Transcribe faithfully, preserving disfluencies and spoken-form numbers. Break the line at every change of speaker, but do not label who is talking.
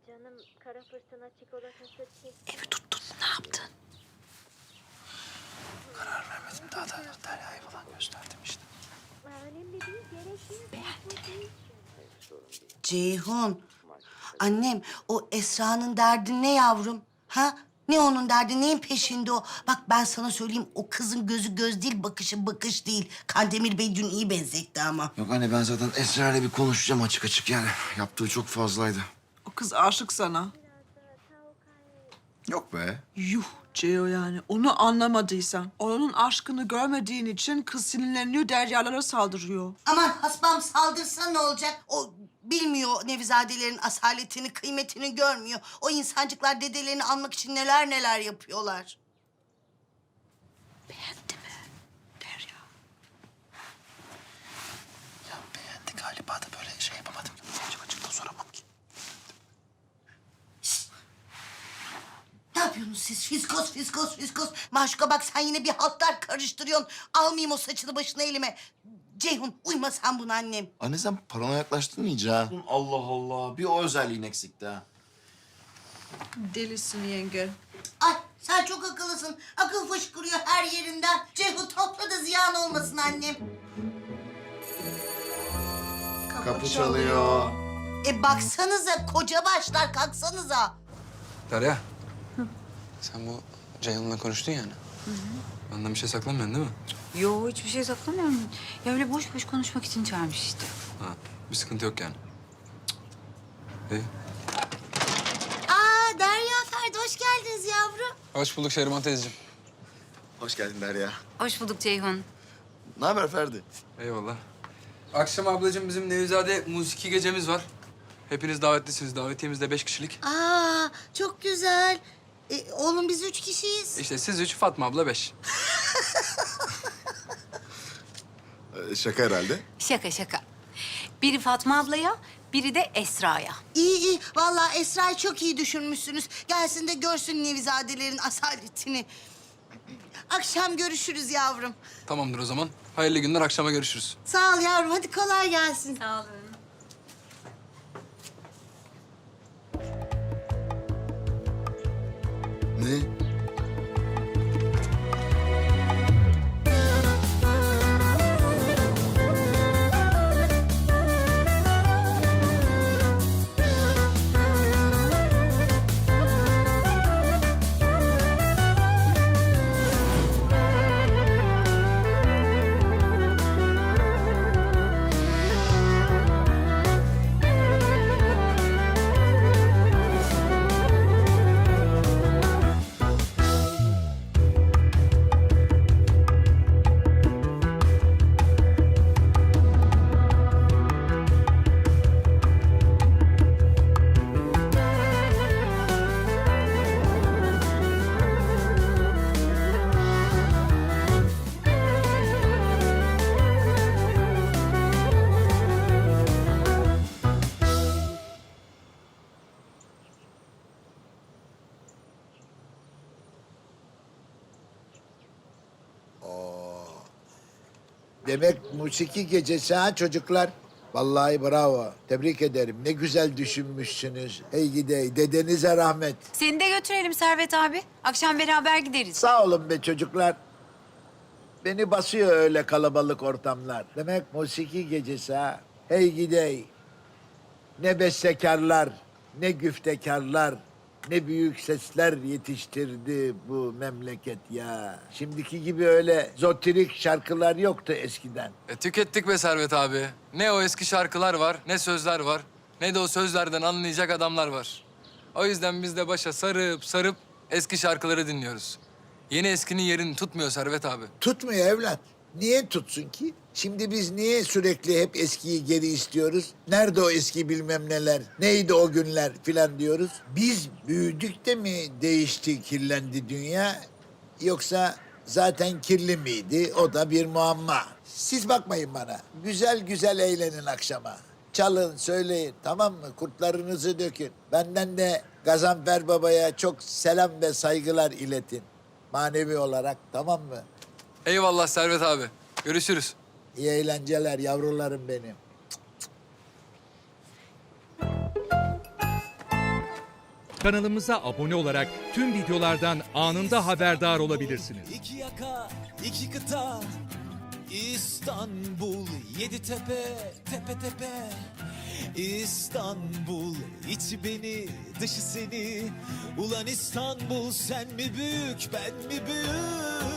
Canım kara fırtına çikolatası çift.
Evi tuttun mu? Ne yaptın?
Karar vermedim daha da Derya'yı falan gösterdim işte.
Önemli değil, gerekli. Beğendim.
Ceyhun. Annem, o Esra'nın derdi ne yavrum? Ha? Ne onun derdi, neyin peşinde o? Bak ben sana söyleyeyim, o kızın gözü göz değil, bakışı bakış değil. Kandemir Bey dün iyi benzetti ama.
Yok anne ben zaten Esra ile bir konuşacağım açık açık yani. Yaptığı çok fazlaydı.
O kız aşık sana.
Yok be.
Yuh Ceo yani. Onu anlamadıysan, onun aşkını görmediğin için kız sinirleniyor, deryalara saldırıyor.
Aman hasbam saldırsa ne olacak? O bilmiyor Nevizadelerin asaletini, kıymetini görmüyor. O insancıklar dedelerini almak için neler neler yapıyorlar.
Beğendi mi Derya?
Ya beğendi galiba da böyle şey yapamadım. Açık açık da soramam ki.
Ne yapıyorsunuz siz? Fiskos, fiskos, fiskos. Maşuka bak sen yine bir haltlar karıştırıyorsun. Almayayım o saçını başına elime. Ceyhun uyma sen buna annem.
Anne sen parana yaklaştın iyice ha. Allah Allah. Bir o özelliğin eksikti ha.
Delisin yenge.
Ay sen çok akıllısın. Akıl fışkırıyor her yerinden. Ceyhun topla da ziyan olmasın annem.
Kapı çalıyor.
E baksanıza koca başlar kalksanıza.
Derya. Sen bu Ceyhun'la konuştun yani. Benden bir şey saklamıyorsun değil mi?
Yo hiçbir şey saklamıyorum. Ya öyle boş boş konuşmak için çağırmış işte.
Ha, bir sıkıntı yok yani. Cık. İyi.
Aa Derya Ferdi hoş geldiniz yavrum.
Hoş bulduk Şehriman teyzeciğim.
Hoş geldin Derya.
Hoş bulduk Ceyhun.
Ne haber Ferdi?
Eyvallah. Akşam ablacığım bizim Nevizade musiki gecemiz var. Hepiniz davetlisiniz. Davetiyemiz de beş kişilik.
Aa çok güzel. E, oğlum biz üç kişiyiz.
İşte siz üç, Fatma abla beş.
Ee, şaka herhalde.
Şaka şaka. Biri Fatma ablaya, biri de Esra'ya.
İyi iyi. Vallahi Esra'yı çok iyi düşünmüşsünüz. Gelsin de görsün Nevizadelerin asaletini. Akşam görüşürüz yavrum.
Tamamdır o zaman. Hayırlı günler, akşama görüşürüz.
Sağ ol yavrum. Hadi kolay gelsin.
Sağ olun.
Ne?
Demek musiki gecesi ha çocuklar? Vallahi bravo. Tebrik ederim. Ne güzel düşünmüşsünüz. Hey gidey, dedenize rahmet.
Seni de götürelim Servet abi. Akşam beraber gideriz.
Sağ olun be çocuklar. Beni basıyor öyle kalabalık ortamlar. Demek musiki gecesi ha. Hey gidey. Ne bestekarlar, ne güftekarlar, ne büyük sesler yetiştirdi bu memleket ya. Şimdiki gibi öyle zotirik şarkılar yoktu eskiden.
E, tükettik be Servet abi. Ne o eski şarkılar var, ne sözler var, ne de o sözlerden anlayacak adamlar var. O yüzden biz de başa sarıp sarıp eski şarkıları dinliyoruz. Yeni eskinin yerini tutmuyor Servet abi.
Tutmuyor evlat. Niye tutsun ki? Şimdi biz niye sürekli hep eskiyi geri istiyoruz? Nerede o eski bilmem neler? Neydi o günler filan diyoruz? Biz büyüdük de mi değişti, kirlendi dünya? Yoksa zaten kirli miydi? O da bir muamma. Siz bakmayın bana. Güzel güzel eğlenin akşama. Çalın, söyleyin, tamam mı? Kurtlarınızı dökün. Benden de Gazanfer Baba'ya çok selam ve saygılar iletin. Manevi olarak, tamam mı?
Eyvallah Servet abi. Görüşürüz.
İyi eğlenceler yavrularım benim.
Kanalımıza abone olarak tüm videolardan anında haberdar olabilirsiniz.
İki yaka, iki kıta, İstanbul, yedi tepe, tepe tepe. İstanbul, içi beni, dışı seni. Ulan İstanbul, sen mi büyük, ben mi büyük?